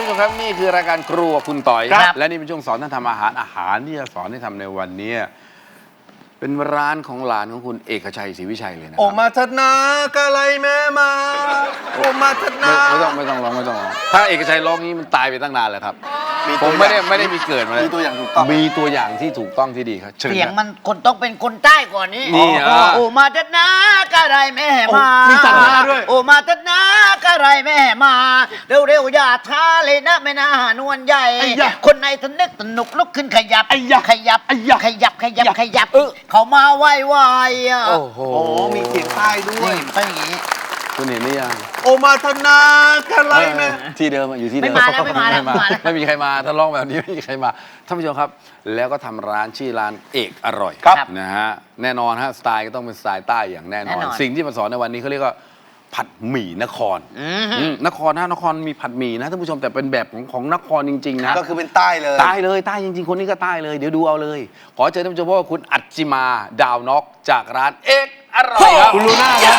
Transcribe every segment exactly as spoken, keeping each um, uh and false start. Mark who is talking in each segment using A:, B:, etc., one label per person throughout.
A: านผู้ชมครับนี่คือรายการครัวคุณต่อย
B: ครับ
A: และนี่เป็นช่วงสอนท่านทำอาหารอาหารที่จะสอนให้ทำในวันนี้เป็นร้านของหลานของคุณเอกชัยศรีวิชัยเลยนะค
B: โอ
A: รับ
B: มาทัดนากะไรแม่มาโอมาทัดนา
A: ไม่ไม่ต้องไม่ต้องร้องไม่ต้องร้องถ้าเอกชัยร้องนี้มันตายไปตั้งนานแล้วครับ
B: มี
A: ผ
B: ตัว
A: มไม่ได้
B: อย่าง
A: ไม่ได้มีเกิดมาเลย
B: มีตัวอย่างถูกต้อง
A: มีตัวอย่างที่ถูกต้องที่ดีครับเชิญ
C: เสียง
A: ครับ
C: มันคนต้องเป็นคนใต้ก่อนนี้
A: นี่อ่ะ
C: โอ้มาเถิดนะกะไรแม่มา
B: มีตัดหน้าด้วย
C: โอ้มาเถิดนะกะไรแม่มา เร็วๆอย่าช้าเลยนะแม่นานวลใหญ่
B: ไอ้ยะ
C: คนในทนึกสนุกลุกขึ้นขยับ
B: ไอ้ยะ
C: ขยับ
B: ไอ้ยะ
C: ขยับขยับขยับ
B: เออ
C: เขามาไหว้ไหวอ่ะ
A: โอ้โห
B: โอ้มีเสียงใต้ด้วย
C: นี่เป็นอย่างนี้
A: คุณเห็นหรือยัง
B: โอมาทัดนากะไรแม่
A: ที่เดิมอะอยู่ที่เดิม
C: ไม่มาแล้วไม่มาแล้วไม่มาแล้ว
A: ไม่มีใครมาถ้าร้องแบบนี้ไม่มีใครมาท่านผู้ชมครับ แล้วก็ทำร้านชื่อร้านเอกอร่อย
C: ครับ
A: นะฮะแน่นอนฮะสไตล์ก็ต้องเป็นสไตล์ใต้อย่างแน่นอน
C: แน่นอน
A: สิ่งที่มาสอนในวันนี้เขาเรียกว่าผัดหมี่นคร
C: อืม
A: อืมนครนะนครมีผัดหมี่นะท่านผู้ชมแต่เป็นแบบของของนครจริงๆนะ
B: ก็คือเป็นใต้เลย
A: ใต้เลยใต้จริงๆคนนี้ก็ใต้เลยเดี๋ยวดูเอาเลย ขอเชิญท่านผู้ชมพบกับคุณอัจจิมาดาวนอกจากร้านเอกอร่อยครับ
B: คุณลูน่าครับ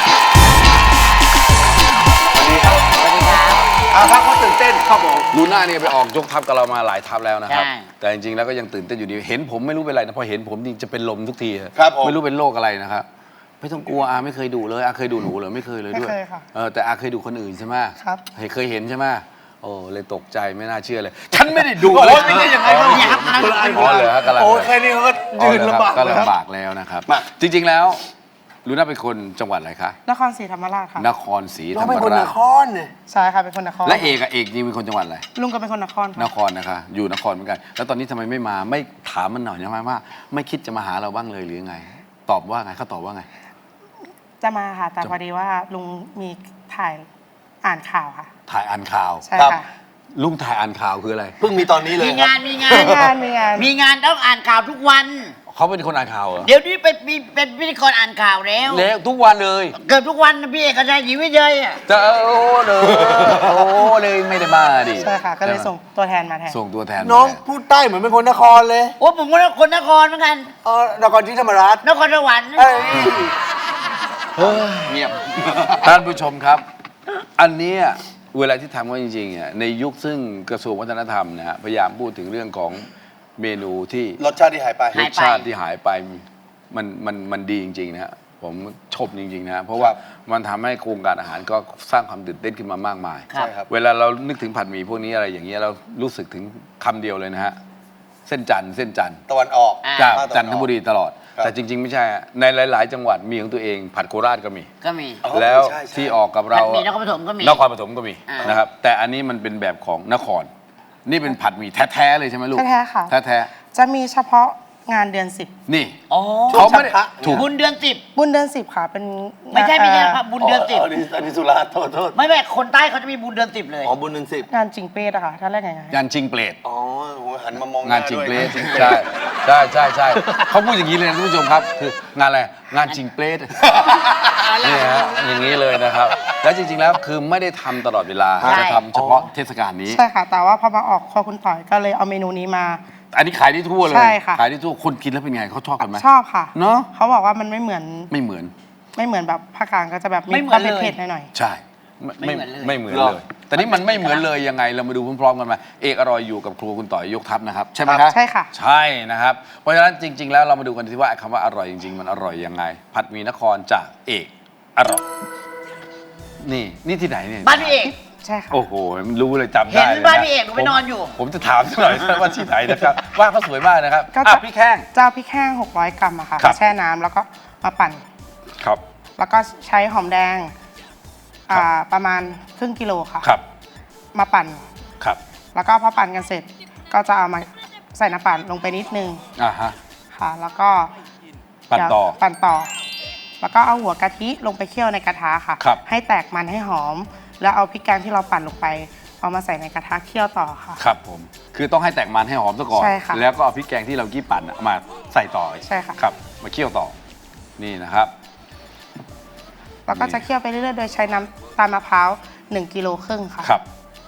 B: สวัสดีครับ
C: สวัสดีครับ
B: อาครับเขาตื่นเต้นครับผม
A: ลูน่าเนี่ยไปออกยกทัพกับเรามาหลายทัพแล้วนะครับ
C: ใช่
A: แต่จริงๆแล้วก็ยังตื่นเต้นอยู่ดีเห็นผมไม่รู้เป็นไรนะพอเห็นผมจริงจะเป็นลมทุกที
B: ครับผม
A: ไม่รู้เป็นโรคอะไรนะครับไม่ต้องกลัวอาไม่เคยดูเลยอาเคยดูหนูเหรอไม่เคยเลยด้วย
D: ไม่เคยค่ะ
A: เออแต่อาเคยดูคนอื่นใช่ไหม
D: ครับ
A: เห็นเคยเห็นใช่ไหมโอ้เลยตกใจไม่น่าเชื่อเลย ฉันไม่ได้ดู
B: โอ้
A: เลย
B: ยไม่ใช่อย่างนั้น
A: อ๋อ
C: อย่าครับ
B: คนละอัน
A: อ๋อเหรอฮะกำลัง
B: โอ้ยแค่นี้เขาก็ยืนลำบาก
A: ก็
B: แล้วครับ
A: ลำบากแล้วนะครับ
B: มา
A: จริงๆแล้วลูน่าเป็นคนจังหวัดอะไรคะ
D: นครศรีธรรมราชค่ะ
A: นครศรีธ
B: เรา
A: รรม
B: เป็นคนน
A: ราช
B: ครเนี่ย
D: ใช่ค่ะ เป็นคนนคร
A: และเอกอะเอกนี่เป็นคนจังหวัดอะไร
D: ลุงก็เป็นคนนคร
A: น
D: ค่ะ
A: ครนะคะอยู่นครเหมือนกัน แล้วตอนนี้ทำไมไม่มาไม่ถามมันหน่อยนะว่า ไม่คิดจะมาหาเราบ้างเลยหรือไง ตอบว่าไงเขาตอบว่าไง
D: จะมาค่ะ แต่
A: จะ
D: พอดีว่าลุงมีถ่ายอ่านข่าวค่ะ
A: ถ่ายอ่านข่าว
D: ใช่
B: ครับ
D: ค่ะ
A: ลุงถ่ายอ่านข่าวคืออะไร
B: เพิ่งมีตอนนี้เลย
C: มี
B: ครั
C: งา
B: บ
C: นมีงาน
D: มีงานมีงาน
C: มีงานต้องอ่านข่าวทุกวัน
A: เขาเป็นคนอ่านข่าวเหรอ
C: เดี๋ยวนี้เป็นมีเป็นพิธีกรอ่านข่าวแล้ว
A: แล้วทุกวันเลย
C: เกือบทุกวันนะพี่เอกชัยศรีวิชัยอ่ะ
A: จะโอ้เลยโอ้เลยไม่ได้มาดิ
D: ใช่ค่ะ ก็เลย
A: ใช่ไหม
D: ส่งตัวแทนมาแทน
A: ส่งตัวแทน
B: น้อง
A: มาแท
B: พูดใต้เหมือนเป็นคนนครเลย
C: โอ้ผมก็คนนครเหมือนกัน
B: เออนครศรีธรรมราช
C: นครสวรรค์
B: เอ้ย
A: เฮ้ยเงียบท่านผู้ชมครับ อันเนี้ยเวลาที่ทำก็จริงๆอ่ะในยุคซึ่งกระทรวงวัฒนธรรมนะฮะพยายามพูดถึงเรื่องของเมนูที่
B: รสชาติที่หายไป
A: รสชาติที่หายไปมันมันมันดีจริงๆนะฮะผมชมจริงๆนะฮะเพราะว่ามันทำให้โครงการอาหารก็สร้างความตื่นเต้นขึ้นมามากมาย
C: ครับ
B: ใช่ครับ
A: เวลาเรานึกถึงผัดหมี่พวกนี้อะไรอย่างเงี้ยเรารู้สึกถึงคำเดียวเลยนะฮะเส้นจันทร์เส้นจันทร์
B: ตะวันออก
C: อ่า
A: จาก
B: ภาคตะวันออก
A: จันทบุรีตลอด
B: ครับ
A: แต่จริง ๆ ไม่ใช่อะในหลาย ๆ จังหวัดมีของตัวเอง ผัดโคราชก็มี
C: ก็มี
B: อ๋อ
A: แล้ว
B: ใช่ใช่
A: ที่ออกกับเรา
C: มีนครปฐมก็มี
A: นครปฐมก็มี
C: อ่าน
A: นะครับแต่อันนี้มันเป็นแบบของนคร นี่เป็นผัดหมี่แท้ๆเลยใช่ไหมลูก
D: แท้ๆค่ะ
A: แท้
D: จะมีเฉพาะงานเดือนสิบ
A: ๆนี่
C: อ๋อ
A: เขาไม่ได้
B: พระ
A: ถูก
C: บุญเดือนสิบ
D: บุญเดือนสิบค่ะ เป็น
C: ไม่ใช่ไม่ใช่
D: อ่อ
C: พระบุญเดือนสิบ
B: อันนี้อันนี้สุราษฎร์โทษโทษ
C: ไม่ไม่คนใต้เขาจะมีบุญเดือนสิบเลย
B: อ๋อบุญหนึ่งสิบ
D: งานจิงเป้อะค่ะท่านแรกไงไง
A: งานชิงเปรต
B: อ๋อโหหันมามองห
A: งานจิง
B: ด้วย
A: เปรตใช่ใช่ใช่ใช่เขาพูดอย่างนี้เลยนะท่านผู้ชมครับ คืองานอะไรงานจิงเปรตนี่ฮะอย่างนี้เลยนะครับ แล้วจริง ๆ แล้วคือไม่ได้ทำตลอดเวลา
C: ใช่
A: จะทำเฉพาะเทศกาลนี้
D: ใช่ค่ะ แต่ว่าพอมาออกครัวคุณต่อยก็เลยเอาเมนูนี้มา
A: อันนี้ขายได้ทั่วเลย
D: ใช่ค่ะ
A: ขายได้ทั่วคนกินแล้วเป็นไงเขาชอบกันไหม
D: ชอบค่ะ
A: เนอะ
D: เขาบอกว่ามันไม่เหมือน
A: ไม่เหมือน
D: ไม่เหมือนแบบภาคกลางก็จะแบบ
C: ไม่
D: มี
C: เหมื
D: ค
C: อ
D: วาน ม
C: เลย
D: เผ็ดๆหน่อย
A: ใช่
C: ไม่เหมือนเลย
A: ไม่เหมือนเลย แต่นี่มันไม่เหมือนเลยยังไงเรามาดูพร้อมๆกันมาเอกอร่อยอยู่กับครัวคุณต่อยยกทัพนะครับใช่ไหมครับ
D: ใช่ค่ะ
A: ใช่นะครับเพราะฉะนั้นจริง ๆ แล้วเรามาดูกันที่ว่าคำว่าอร่อยจริง ๆ มันอร่อยยังไง ผัดหมี่นครจากเอกอร่อยนี่นี่ที่ไหนเนี่ย
C: บ้านพี่เอก
D: ๆ ใช่ค่ะ
A: โอ้โหมันรู้เลยจำ
C: เห็
A: ได้
C: น
A: เลย
C: บ้านพี่เอกหนูไป
A: ผม
C: นอนอยู่
A: ผมจะถามสักหน่อย ว่าที่ไหนนะครับว่างเขาสวยมากนะครับ
D: ก็
A: อ่ะ
D: จะ
A: พี่แข้ง
D: เจ้าพริกแห้งหกร้อยกรัมอะค่ะ
A: ครับ
D: แช่น้ำแล้วก็มาปั่น
A: ครับ
D: แล้วก็ใช้หอมแดงอ่าประมาณครึ่งกิโลค่ะ
A: ครับ
D: มาปั่น
A: ครับ
D: แล้วก็พอปั่นกันเสร็จ ก็จะเอามาใส่น้ำปั่นลงไปนิดนึง
A: อ่าฮะ
D: ค่ะ แล้วก็
A: ปั่นต่อ
D: เดี๋ยวปั่นต่อ แล้วก็เอาหัวกะทิลงไปเคี่ยวในกระทะค่ะ
A: ครับ
D: ให้แตกมันให้หอม แล้วเอาพริกแกงที่เราปั่นลงไป เอามาใส่ในกระทะเคี่ยวต่อค่ะ
A: ครับผมคือต้องให้แตกมันให้หอมซะก่อน
D: ใช่ค่ะ
A: แล้วก็เอาพริกแกงที่เรากี้ปั่นอะมาใส่ต่อ
D: ใช่ค่ะ
A: ครับมาเคี่ยวต่อนี่นะครับ
D: แล้วก็จะเคี่ยวไปเรื่อยๆ โดยใช้น้ำตาลมะพร้าวหนึ่งกิโลครึ่งค่ะ
A: ครับ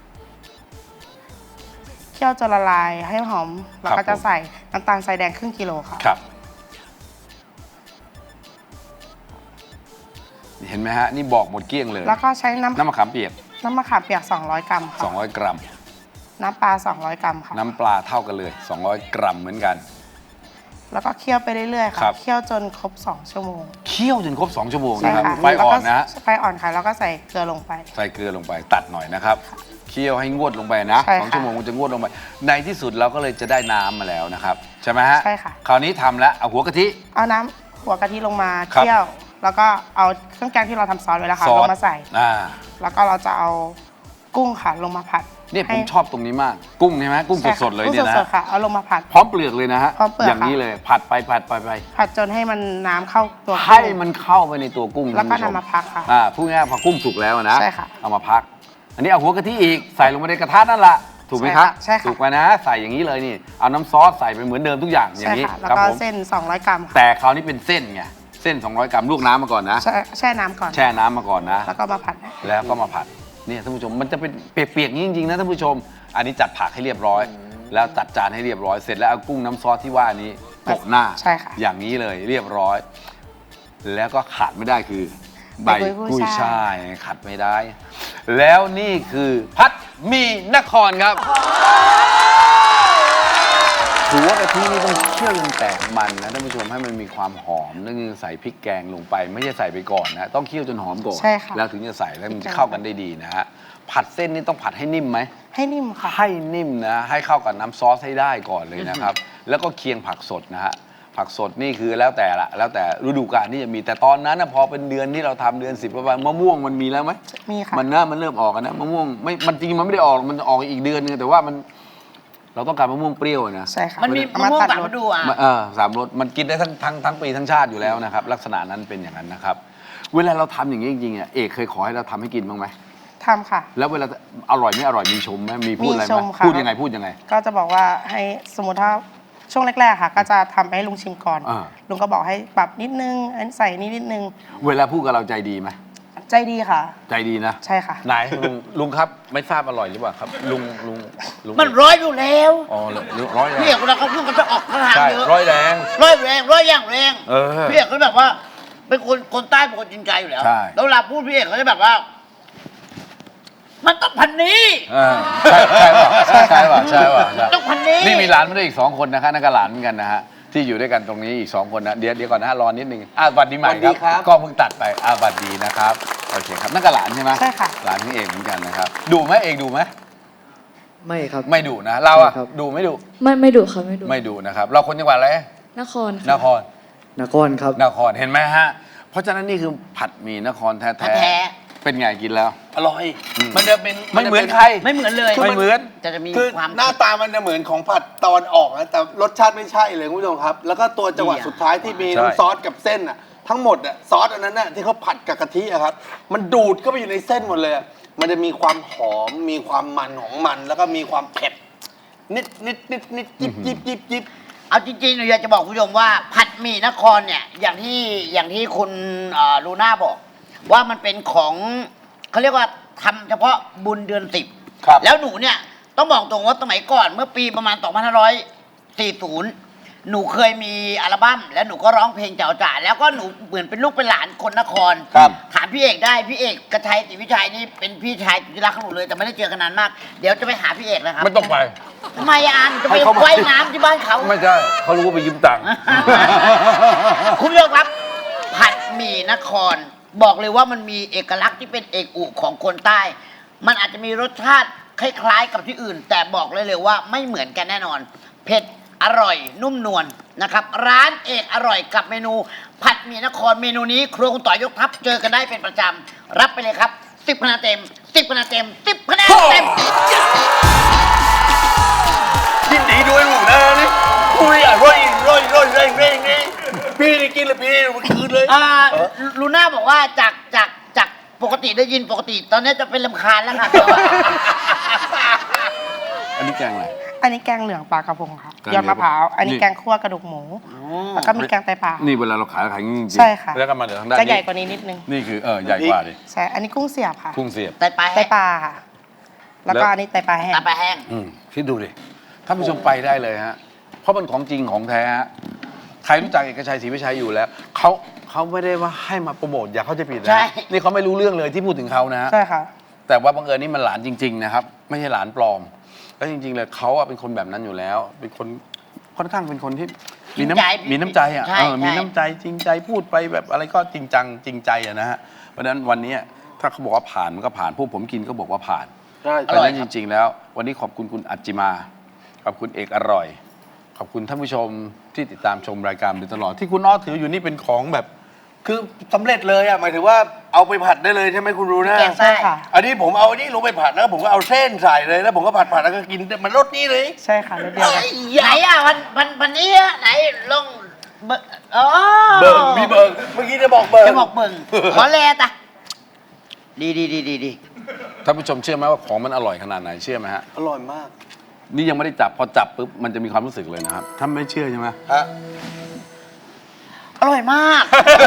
D: เคี่ยวจนละลายให้หอม แล้ว
A: ครั
D: ก็
A: บ
D: จะ
A: ผม
D: ใส่น้ำตาลทรายแดงครึ่งกิโลค่ะ
A: ครับเห็นไหมฮะนี่บอกหมดเกลี้ยงเลย
D: แล้วก็ใช้น้ำ
A: น้ำมะขามเปียก
D: น้ำมะขามเปียกสองร้อยกรัมค่ะ
A: สองร้อยกรัม
D: น้ำปลาสองร้อยกรัมค่ะ
A: น้ำปลาเท่ากันเลย สองร้อย กรัมเหมือนกัน
D: แล้วก็เคี่ยวไปเรื่อยๆ
A: ครั
D: ค่ะ
A: บ
D: เคี่ยวจนครบสองชั่วโมง
A: เคี่ยวจนครบสองชั่วโมง
D: ใช่
A: นะครับ
D: ค่ะ
A: ไฟอ่อนนะ
D: ไฟอ่อนค่ะแล้วก็ใส่เกลือลงไป
A: ใส่เกลือลงไปตัดหน่อยนะครับเคี่ยวให้งวดลงไปนะ
D: ใช่
A: สอง
D: ค่ะ
A: ชั่วโมงมันจะงวดลงไป ในที่สุดเราก็เลยจะได้น้ำมาแล้วนะครับใช่ไหมฮะ
D: ใช่ค่ะ
A: คราวนี้ทำแล้วเอาหัวกะทิ
D: เอาน้ำหัวกะทิลงมา
A: ครับ
D: เคี่ยว แล้วก็เอาเครื่องแกงที่เราทำซอสไว้แล้วค่ะ
A: ซอ
D: ล
A: ส
D: งมาใส่
A: อ่า
D: แล้วก็เราจะเอากุ้งค่ะลงมาผัด
A: เนี่ยผ
D: ให้
A: มชอบตรงนี้มาก กุ้งใช่ไหมกุ้ง
D: ใช่ค่ะ
A: สดๆเลย
D: กุ้ง
A: เนี่ยนะ
D: สดๆค่ะเอาลงมาผัด
A: พร้อมเปลือกเลยนะฮะ
D: พร้อมเปลือก
A: อย่างนี้
D: ค่ะ
A: เลยผัดไปผัดไปไป
D: ผัดจนให้มันน้ำเข้าตัวกุ้ง
A: ให้มันเข้าไปในตัวกุ้ง
D: แล้วก็
A: ท่ผู้ช
D: นำมาพักค่ะ
A: อ่าพูดง่ายๆพอกุ้งสุกแล้วนะ
D: ใช่ค่ะ
A: เอามาพัก อันนี้เอาหัวกะทิอีกใส่ลงไปในกระทะนั่นแหละถูกไหมครับ
D: ใช่ค่ะ
A: ถูกไหมนะใส่อย่างนี้เลยนี่เอาน้ำซอสใส่ไปเหมือนเดิมทุกอย่างอย่า
D: ใช่
A: งนี้
D: ค่ะ แล้ว
A: ครับ
D: ก็
A: ผม
D: เส้นสองร้อยกรัมค่ะ
A: แต่คราวนี้เป็นเส้นไงเส้น สองร้อย กรัมลวกน้ำมาก่อนนะ
D: แช่แช่น้ำก่อน
A: แช่น้ำมาก่อนนะ
D: แล้วก็มาผัด
A: แล้วก็มาผัดเนี่ยท่านผู้ชมมันจะเป็นเปียกๆอย่างนี้จริงๆนะท่านผู้ชม อันนี้จัดผักให้เรียบร้อย แล้วจัดจานให้เรียบร้อยเสร็จแล้วเอากุ้งน้ำซอสที่ว่านี้โปะหน้า
D: ใช่ค่ะ
A: อย่างนี้เลยเรียบร้อย แล้วก็ขาดไม่ได้คือใบ
D: ใบกุ้
A: กุ้ย
D: ยช่าย
A: ช่ายขาดไม่ได้ แล้วนี่คือพัดหมีนครครับหัวกะทินี่ต้องเคี่ยวจนแตกมันนะท่านผู้ชมให้มันมีความหอมนั่นคือใส่พริกแกงลงไป ไม่ใช่ใส่ไปก่อนนะต้องเคี่ยวจนหอมก่อน
D: ใช่ค่ะ
A: แล้วถึงจะใส่แล้วมันจะเข้ากันได้ดีนะฮะผัดเส้นนี่ต้องผัดให้นิ่มไหม
D: ให้นิ่มค่ะ
A: ให้นิ่มนะให้เข้ากับน้ำซอสให้ได้ก่อนเลยนะครับ แล้วก็เคียงผักสดนะฮะผักสดนี่คือแล้วแต่ละแล้วแต่ฤดูกาลที่จะมีแต่ตอนนั้นนะพอเป็นเดือนที่เราทำเดือนสิบประมาณมะม่วงมันมีแล้วไหม
D: มีค่ะ
A: มันน่ามันเริ่มออกกันนะมะม่วงไม่มันจริงๆมันไม่ได้ออกมันออกอีกเดือนนึงแต่ว่ามันเราต้องการมะม่วงเปรี้ยวนะ
D: ใช่ค่ะ
C: มันมี
D: เอา
C: มะม่วง
D: ตัด
C: สาม
D: ร
C: ฤ
D: ส
C: ดูอ่ะ
A: เออสามรสมันกินได้ทั้งทั้งทั้งปีทั้งชาติอยู่แล้วนะครับลักษณะนั้นเป็นอย่างนั้นนะครับเวลาเราทำอย่างนี้จริงๆอ่ะเอกเคยขอให้เราทำให้กินบ้างไหม
D: ทำค่ะ
A: แล้วเวลาอร่อยไม่อร่อยมีชมไหมมีพูดอะไร
D: มีช
A: ไหม
D: มค่ะ
A: พูดยังไงพูดยังไง
D: ก็จะบอกว่าให้สมมติถ้าช่วงแรกๆค่ะ ก็จะทำให้ลุงชิมก่อน
A: อ่า
D: ลุงก็บอกให้ปรับนิดนึงอันใส่นี่นิดนึง
A: เวลาพูดกับเราใจดีไหม
D: ใจดีค่ะ
A: ใจดีนะ
D: ใช่ค่ะ
A: ไหนลุงลุงครับไม่ทราบอร่อยหรือเปล่าครับลุงลุงลุง
C: มันร้อยอยู่แล้ว
A: อ๋อเลยร้อยแร
C: พี่เอง กเวลาเขาพูดก็จะออกทาง
A: ใช่
C: เยอะ
A: ร้อยแรง
C: ร้อยแรงร้อยอย่างแรง
A: เออ
C: พี่เอกก็แบบว่า เป็นคนคนใต้เป็นคนจริงใจอยู่แล้ว
A: ใช่
C: แล้วเวลาพูดพี่เอกเขาจะแบบว่า มันต้องพันนี้
A: เออใช่ใช่ป่ะใช่ใช่ป่ะใช่ป่ะใช่
C: ต้องพันนี้
A: นี่มีหลานมาด้วยอีกสองคนนะคะนั่นก็หลานเหมือนกันนะฮะที่อยู่ด้วยกันตรงนี้อีกสองคนนะเดี๋ยวเดี๋ยวก่อนนะรอนิดนึงอ่ะบัดดีใหม่
B: สวัสดีครับ
A: ก็เพิ่งตัดไปอ่ะบัดดีนะครับโอเคครับนั่นก็หลานใช่ไหม
D: ใช่ค่ะ
A: หลานของเอกเหมือนกันนะครับดูไหมเอกดูไหม
E: ไม่ครับ
A: ไม่ดูนะเราอะ
E: ไม่ครับ
A: ดูไม่ดู
F: ไม่ไม่ดุค่ะไม่ดุ
A: ไม่ดูนะครับ เราคนจังหวัดอะไร
F: นคร
A: น
F: ค่ะ
A: คร
E: นครครับ
A: นครเห็นไหมฮะ เพราะฉะนั้นนี่คือผัดหมี่นครแท้
C: แท้
A: ๆเป็นไงกินแล้ว
B: อร่อย มันจะเป็น
A: ไม่เหมือน
B: จะป็
A: ใคร
C: ไม่เหมือนเลย
A: ไม่เหมือน
C: จะจะมี
B: คือ
C: ความ
B: หน้าตามันจะเหมือนของผัดตะวันออกนะแต่รสชาติไม่ใช่เลยคุณผู้ชมครับ แล้วก็ตัวจังหวะ
C: ดีอะ
B: สุดท้ายที่มี
A: ใช่
B: น้ำซอสกับเส้นอ่ะทั้งหมดอ่ะซอสอันนั้นน่ะที่เขาผัดกับกะทิอะครับ มันดูดเข้าไปอยู่ในเส้นหมดเลยอะมันจะมีความหอมมีความมันของมัน แล้วก็มีความเผ็ดนิดนิดนิดนิดยิบยิบยิบยิบ
C: เอาจริงๆหนูอยากจะบอกคุณผู้ชมว่าผัดหมี่นครเนี่ย อย่างที่อย่างที่คุณเอ่อลูน่าบอก ว่ามันเป็นของเขาเรียกว่าทำเฉพาะบุญเดือนสิบ
B: ครับ
C: แล้วหนูเนี่ยต้องบอกตรงว่าสมัยก่อนเมื่อปีประมาณ สองพันห้าร้อยสี่สิบ หนูเคยมีอัลบั้มแล้วหนูก็ร้องเพลงเจ้าจ๋าแล้วก็หนูเหมือนเป็นลูกเป็นหลานคนนคร
B: ครับ
C: ถามพี่เอกได้พี่เอกกระชัยศรีวิชัยนี่เป็นพี่ชายที่รักของหนูเลยแต่ไม่ได้เจอกันนานมากเดี๋ยวจะไปหาพี่เอกนะครับ
A: ไม่ต้องไป
C: ทำไมอ่ะอันจะไป
A: ให้เขามา
C: ว่ายน้ำที่บ้านเขา
A: ไม่ใช่เขารู้ว่าไปยืมตังค์
C: คุณผู้ชมครับ ผัดหมี่นคร บอกเลยว่ามันมีเอกลักษณ์ที่เป็นเอกอุของคนใต้ มันอาจจะมีรสชาติคล้ายๆกับที่อื่น แต่บอกเลยเลยว่าไม่เหมือนกันแน่นอน เผ็ดอร่อยนุ่มนวลนะครับ ร้านเอกอร่อยกับเมนู ผัดหมี่นครเมนูนี้ครัวคุณต่อยยกทัพเจอกันได้เป็นประจำรับไปเลยครับสิบคะแนนเต็มสิบคะแนนเต็มสิบคะแนนเต็ม
B: ยินดีด้วยหนูนะนี่คุยอร่อยร่อยร่อยแรงแรงนี่พี่นี่กินเลยพี่มันคืนเลย
C: อ่าลูน่าบอกว่าจากจากจากปกติได้ยินปกติ ตอนนี้จะเป็นลำคาญแล้วค่ะเดี๋ยวอะ
A: อันนี้แกงอะไร
D: อันนี้แกงเหลืองปลากระพงค่ะ
A: แกงเหลือง
D: ยอดมะพร้าว อันนี้
A: นี่
D: แกงคั่วกระดูกหมู แล้วก็มีแกงไตปลา
A: นี่เวลาเราขายเราขายอย่างนี้จริงๆ
D: ใช่ค่ะ
A: แล้วก็มาเดี๋ยวทางด้าน
D: จะใหญ่
A: นี้
D: กว่านี้นิดนึง
A: นี่คือเออใหญ่กว่าดิ
D: ใช่ อันนี้กุ้งเสียบค่ะ
A: กุ้งเสียบ
C: ไตปลา
D: ไต
C: แห้ง
D: ปลาค่ะ แล้วก็อันนี้ไตปลาแห้ง
C: ไตปลาแห้ง
A: อืมคิดดูดิท่านผู้ชมไปได้เลยฮะ เพราะมันของจริงของแท้ฮะใครรู้จักเอกชัยศรีวิชัยอยู่แล้วเขาเขาไม่ได้ว่าให้มาโปรโมทอย่าเข้าใจผิดนะ
C: ใช่
A: นี่เขาไม่รู้เรื่องเลยที่พูดถึงเขานะฮะ
D: ใช่ค่ะ
A: แต่ว่าบังเอิญนี่มันหลานจริงๆนะครับไม่ใช่หลานปลอมแล้วจริงๆเลยเขาอะเป็นคนแบบนั้นอยู่แล้ว เป็นคนค่อนข้างเป็นคนที่มีน้ำมีน้ำใจอ่ะ
C: ใช่
A: เออมี
C: ใช่
A: น้ำใจจริงใจพูดไปแบบอะไรก็จริงจังจริงใจอะนะฮะเพราะฉะนั้นวันนี้ถ้าเขาบอกว่าผ่านมันก็ผ่านพวกผมกินก็บอกว่าผ่าน
B: ใช่
A: เพราะฉะนั้นจริง ๆ แล้ว วันนี้ขอบคุณคุณอัจจิมาขอบคุณเอกอร่อย ขอบคุณท่านผู้ชมที่ติดตามชมรายการมาโดยตลอดที่คุณอ้อถืออยู่นี่เป็นของแบบ
B: คือสำเร็จเลยอ่ะหมายถึงว่าเอาไปผัดได้เลยใช่ไหมคุณรู้นะ
C: แกง
D: ใช่ค่ะ
B: อันนี้ผมเอาอันนี้ลงไปผัดแล้วผมก็เอาเส้นใส่เลยแล้วผมก็ผัดผัดแล้วก็กินมันรสนี้เลย
D: ใช่ค่ะรสเดียวกัน
C: ไหนอ่ะวันวันวันนี้อะไหนลงเบอร์อ๋อ
B: เบิร์มีเบิร์เมื่อกี้จะบอกเบิร์
C: จะบอกเบิ่งขอแลตะดีดีดีดีดี
A: ท่านผู้ชมเชื่อไหมว่าของมันอร่อยขนาดไหนเชื่อไหมฮะ
B: อร่อยมาก
A: นี่ยังไม่ได้จับพอจับปุ๊บมันจะมีความรู้สึกเลยนะครับถ้าไม่เชื่อใช่ไหม
B: ฮะ
C: อร่อยมาก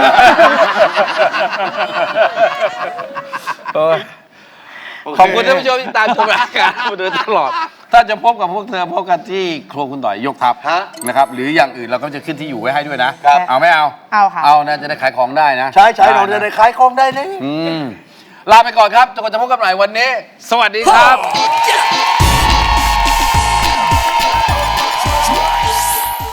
A: เออขอบคุณท่านผู้ชมที่ตามชมรายการมาโดยตลอด ถ้าจะพบกับพวกเธอพบกันที่ครัวคุณต่อยยกทัพ
B: ฮะ
A: นะครับหรืออย่างอื่นเราก็จะขึ้นที่อยู่ไว้ให้ด้วยนะครับ เอาไม่เอา
D: เอาค่ะ
A: เอานะจะได้ขายของได้นะ
B: ใช่ใช่เราจะได้ขายของได้เลย
A: อืมลาไปก่อนครับจนกว่าจะพบกันใหม่วันนี้ สวัสดีครับ